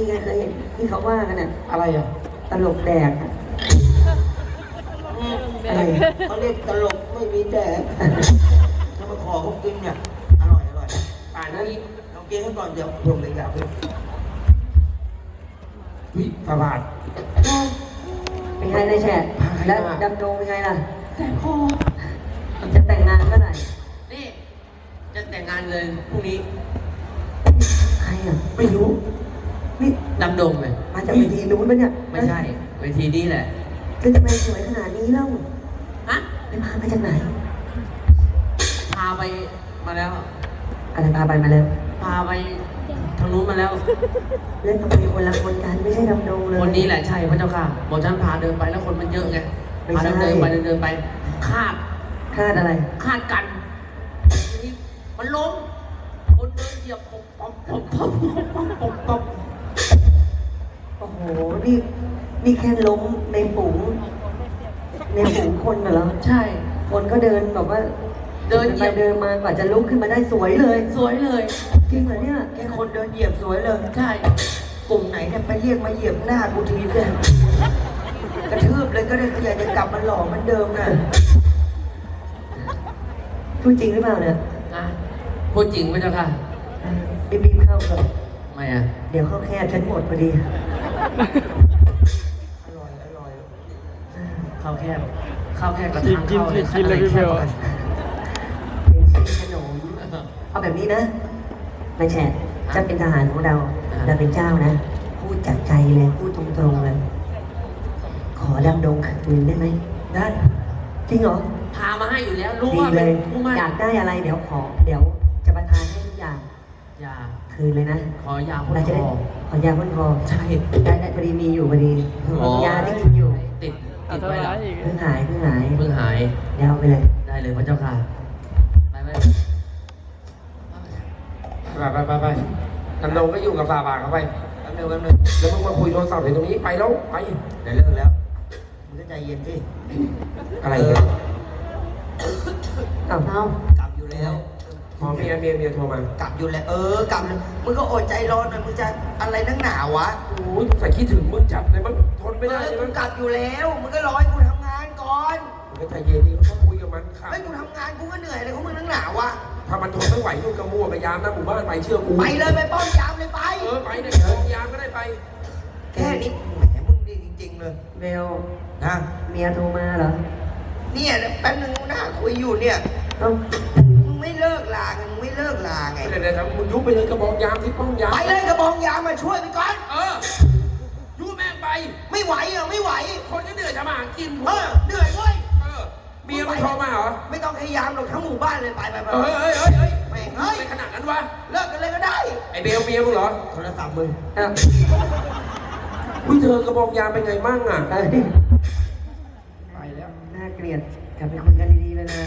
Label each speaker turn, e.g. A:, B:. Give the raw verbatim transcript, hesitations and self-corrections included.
A: ไงเคยเห็นที่เขาว่ากันน่ะ
B: อะไรอ่ะ
A: ตลกแดกอะอะไร
C: เขาเรียกตลกไม่มีแดกถ้ามาขอเขากินเนี่ยอร่อยอร่อยป่านนี้ลองกินให้ก่อนเดี๋ยวผมเลยอยากกิน
B: วิประบาท
A: เป็นไงนายแฉะ
B: พาใครมา
A: แล้วดำดงเป็นไงล่ะ
D: แสบคอ
A: จะแต่งงานเมื่อไหร่
D: นี่จะแต่งงานเลยพรุ่งนี้
A: ใครอ่ะ
B: ไม่รู้
A: นี่
D: ดำดงเลย
A: มาจากเวทีนู้นปะเนี่ย
D: ไม่ใช่เวทีนี้แหละ
A: ก็จะไปสวยขนาดนี้แล้ว
D: ฮะ
A: ไปพามาจากไหน
D: พาไปมาแล้ว
A: อะไรพาไปมาเลย
D: พาไปทางนู้นมาแล้ว
A: เล่นทำไมคนละคนกันไม่ใช่ดำดงเลย
D: คนนี้แหละใช่พระเจ้าค่ะบอกฉันพาเดินไปแล้วคนมันเยอะไง
A: ไม่
D: พา
A: ใช่
D: เดินไปเดินเดินไปคาด
A: คาดอะไร
D: คาดกันทีนี้มันล้มคนเดินเหยียบปบปบปบปบปบปบปบ
A: โอ้โห นี่ นี่แค่ล้มในฝูง ในฝูงคนน่ะเหรอ
D: ใช่
A: คนก็เดินแบบว่า
D: เดินเหยี
A: ไป
D: ยบ
A: เดินมากว่าจะลุกขึ้นมาได้สวยเลย
D: สวยเลย
A: จริงเหรอเนี่ย
C: แค่คนเดินเหยียบสวยเลย
D: ใช่
C: กลุ่มไหนเนี่ยไปเรียกมาเหยียบหน้ากูทีเลยกระทืบเลยก็ได้ก็อยากจะกลับมาหล่อเหมือนเดิมนะ
A: พูดจริงหรือเปล่าเนี่ย
D: นะพูดจริงพระเจ้าค่ะ
A: รีบๆเข้าก่อน
D: ไม่อะ
A: เดี๋ยวเข้าแคบฉันหมดพอดี
C: อร่อยอร่อย
D: ข้าวแคบข้าวแคบกับทางเข้าเนี่ย
E: กินเลยพี่เบล
A: เป็นชิ้นขนม เอาแบบนี้นะนายแฉะจะเป็นทหารของเรา เราเป็นเจ้านะ พูดจากใจเลย พูดตรงๆเลย ขอดำดงคืนได้ไหม
D: ได้
A: จริงเหรอ
D: พามาให้อยู่แล้วรู้
A: ดี
D: ว่า
A: เล
D: เป็น
A: ย
D: ผู้มั่น
A: อยากได้อะไรเดี๋ยวขอ เดี๋ยวจะประทานให้ทุกอย่าง
D: ยา
A: คืนเลยนะ
D: ขอยาพ่น
A: เราจะ
D: ค
A: ได้
D: อ
A: ขอยาพ่นคอ
D: ใช่
A: ได้ได้พอดีมีอยู่พอดี ยาที่กินอยู่
D: ติด
E: เอา
D: ติด
E: ทำ
D: ไว้
E: ร้า
D: แล้ว
E: ยอีก
A: เพิ่งหายเพิ่งหาย
D: เพิ่งหาย
A: เดี๋ยวเอาไปเลย
D: ได้เลยพระเจ้าค่ะไปไป
B: ไปไปไปไปดำดงก็อยู่กับฟาบาทเขาไป
C: แป๊บนึงแป๊บนึง
B: แล้วมึงมาคุยโทรศัพท์อยู่ตรงนี้ไปแล้วไป
C: เดี๋ยวเลิกแล้วมึงก็ใจเย็นสิ
B: อะไรเนี่ย
A: อ้าวเอา
C: กลับอยู่แล้ว
B: พอเมียเมียเมียโทรมาก
C: ลับอยู่แล้วเออกลับเลยมึงก็อดใจรอหน่อยมึงจะอะไรนักหนาวะ
B: โอ้ยใส่คิดถึงมึงจัดเลยมันทนไม่ได้
C: เอ
B: เล
C: อย มึ
B: มัน
C: งกลับอยู่แล้วมึงก็รอให้กูทำงานก่อน
B: มึงก็ใจเย็นดิเขาคุยกับมันค่ะ
C: ให้กูทำงานกูก็เหนื่อยเลยของมึงนักหนาวะ
B: ถ้ามันทนไม่ไหวมึงก็มั่วไปยามนะหมู่บ้านไปเชื่อกู
C: ไปเลยไปป้อมยามเลยไป
B: เออไปเนี่ยเดินยามก็ได้ไป
C: แค่นี้แหมมึงดีจริงๆเลย
A: เบล
C: นะ
A: เมียโทรมาเหรอ
C: เนี่ยแป๊บนึงหน้าคุยอยู่เนี่ย
A: เอ้า
C: มึงไม่เลิกลาไงมึงไม่เลิกลาไง
B: เดี๋ยวเดี๋ยวมึงยุบไปเลยกระบอกยามที่ป้อมยาม
C: ไปเลยกระบองยามมาช่วยไปก่อน
B: เออยุบแม่งไป
C: ไม่ไหวเหรอไม่ไหว
B: คนก็เหนื่อยจะมาหากิน
C: เออเหนื่อยเว้ย
B: เออเมียมึงโทรมาเหรอ
C: ไม่ต้องพยายามหรอกทั้งหมู่บ้านเลยไปไปไป
B: เฮ้ยเฮ้ยเฮ้ยเฮ้ย
C: แม่งเฮ้ย
B: ไม่ขนาดนั้นวะ
C: เลิกกันเลยก็ได้
B: ไอเบลเมียมึงเหรอ
C: โทรศัพท์มึง
A: อ้าว
B: อุ้ยเธอกระบอกยามเป็นไงมั่งอ่ะ
A: เอ้ย
B: ไปแล้ว
A: น่าเกลียดกลับไปคุยกันดีๆเลยนะ